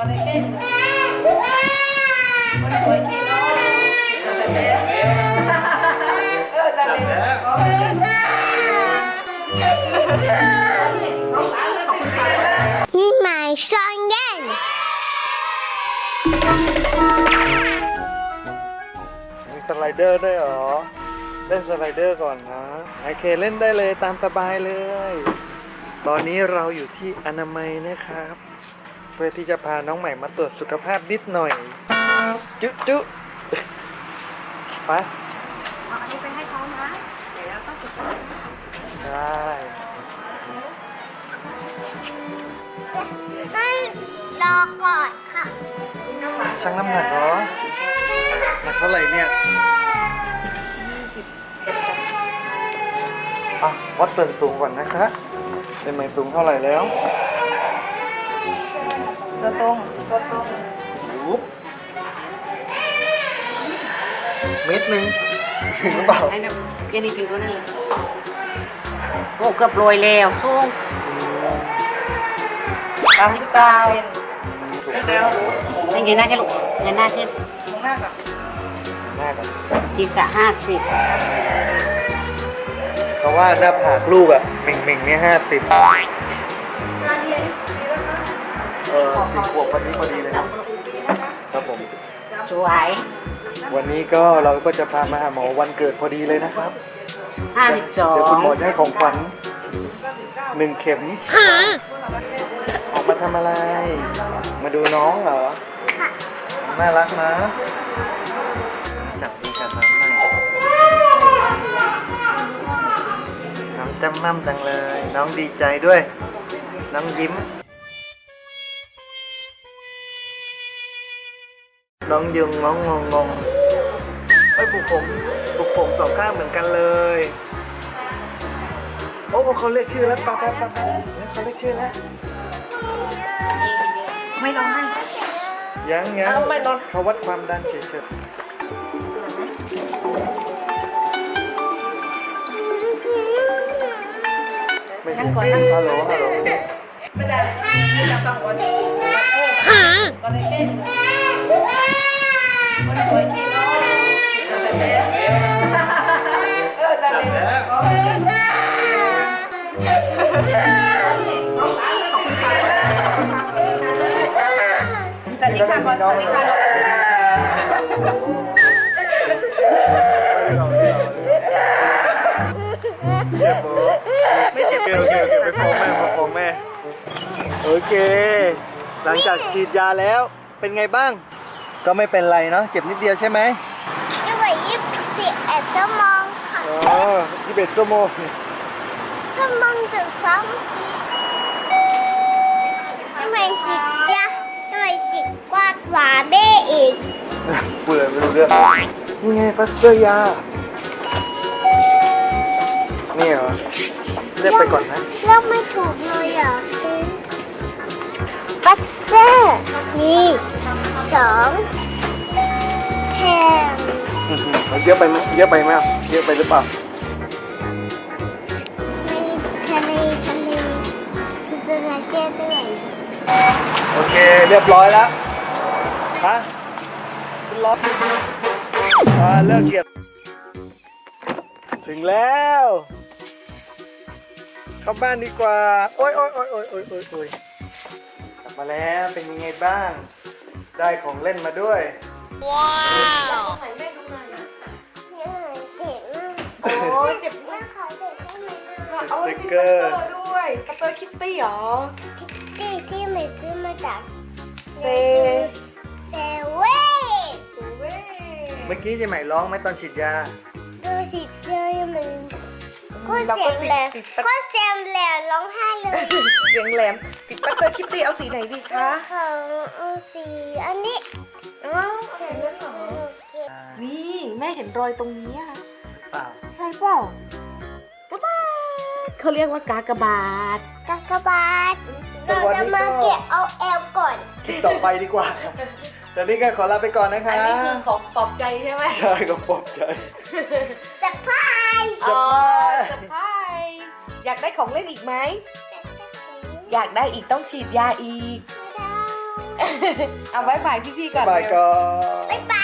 นี่หมายซ่อนเล่นมีสไลเดอร์ด้วยเหรอเล่นสไลเดอร์ก่อนนะโอเคเล่นได้เลยตามสบายเลย ตอนนี้เราอยู่ที่อนามัยนะครับเพื่อที่จะพาน้องใหม่มาตรวจสุขภาพนิดหน่อยจุ๊ไปเอาอันนี้ไปให้เขานะเดี๋ยวเราต้องไปช่วยใช่รอก่อนค่ะชั่งน้ำหนักเหรอหนักเท่าไหร่เนี่ยอ่ะวัดส่วนสูงก่อนนะคะเป็นไหมสูงเท่าไหร่แล้วตัวตรงปุ๊บเมตรหนึ่งถึงหรือเปล่าให้เนี่ยเย็นอีกผิวนั่นเลยโอ้เกือบโรยแล้วสูง99แล้วนี่เงยหน้าแค่ลูกเงยหน้าขึ้นหน้าก่อนศีรษะ50 เพราะว่าหน้าผากลูกอะเหม่งเนี่ย5010 ขวบพอดีเลยครับผมสวยวันนี้ก็เราก็จะพามาหาหมอวันเกิดพอดีเลยนะครับเดี๋ยวคุณหมอจะให้ของขวัญ1 เข็มออกมาทำอะไร มาดูน้องเหรอน่ารักนะจับดีกับน้องหน่อยน้องจำมั่มจังเลย น้องดีใจด้วย น้องยิ้ม น้องยุงน้องงงเฮ้ยปลูกผมสองข้างเหมือนกันเลยโอ้เขาเรียกชื่อแล้วไปเขาเรียกชื่อแล้วไม่ร้องไห้ยังเขาวัดความดันเฉยๆไม่ใช่ฮัลโหลไม่ได้จะต้องวันนี้ก็ได้เต้นวันสวยที่น้องแต่เต้นแต่เต้นสวัสดีค่ะก่อนสวัสดีค่ะไม่เจ็บโอเคไปฟ้องแม่โอเคหลังจากฉีดยาแล้วเป็นไงบ้างก็ไม่เป็นไรเนาะเจ็บนิดเดียวใช่ไหมไม่ไหว21 ชั่วโมงค่ะอ๋อ21 ชั่วโมงชั่วโมงถึง2ทำไมสิจ๊ะทำไมสิกวาดหวาเบ้อีกพูดเลยไม่รู้เรื่องนี่ไงพลาสเตอร์ยานี่เหรอเรียกไปก่อนนะเลือกไม่ถูกเลยอ่ะบัตเตอร์มี2แผ่นเยอะไปไหมเยอะไปหรือเปล่าทะเลคือสระเก้ด้วยโอเคเรียบร้อยแล้วฮะขึ้นรถเลิกเกียรถึงแล้วเข้าบ้านดีกว่าโอ๊ยกลับมาแล้วเป็นยังไงบ้างได้ของเล่นมาด้วยว้าวเจ็บมากโอ้ยเจ็บแม่ขอเด็กได้ไหมเอาสติ๊กเกอร์ด้วยกระเตอร์คิตตี้หรอที่ไม่ซื้อมาจากเซเซเว่นเว่เมื่อกี้จะใหม่ร้องไหมตอนฉีดยาดูสิเลยมันก็เสียงแหลมร้องไห้เลยเสียงแหลมติดกระเตอร์คิตตี้เอาสีไหนดีคะของสีอันนี้อ้าวเห็นแล้วเหรอนี่แม่เห็นรอยตรงนี้อะเปล่าใช่เปล่ากระบาดเขาเรียกว่ากากบาทกากบาทเราจะมาเก็บเอาแอลก่อนคลิปต่อไปดีกว่าตอนนี้ก็ขอลาไปก่อนนะคะอันนี้คือของปลอบใจใช่ไหมใช่ก็ปลอบใจสะพายอ๋อเซอร์ไพรส์อยากได้ของเล่นอีกไหม อยากได้อีกต้องฉีดยาอีกไม่ได้เอาบายบายพี่ๆก่อนบายก่อนบ๊ายบ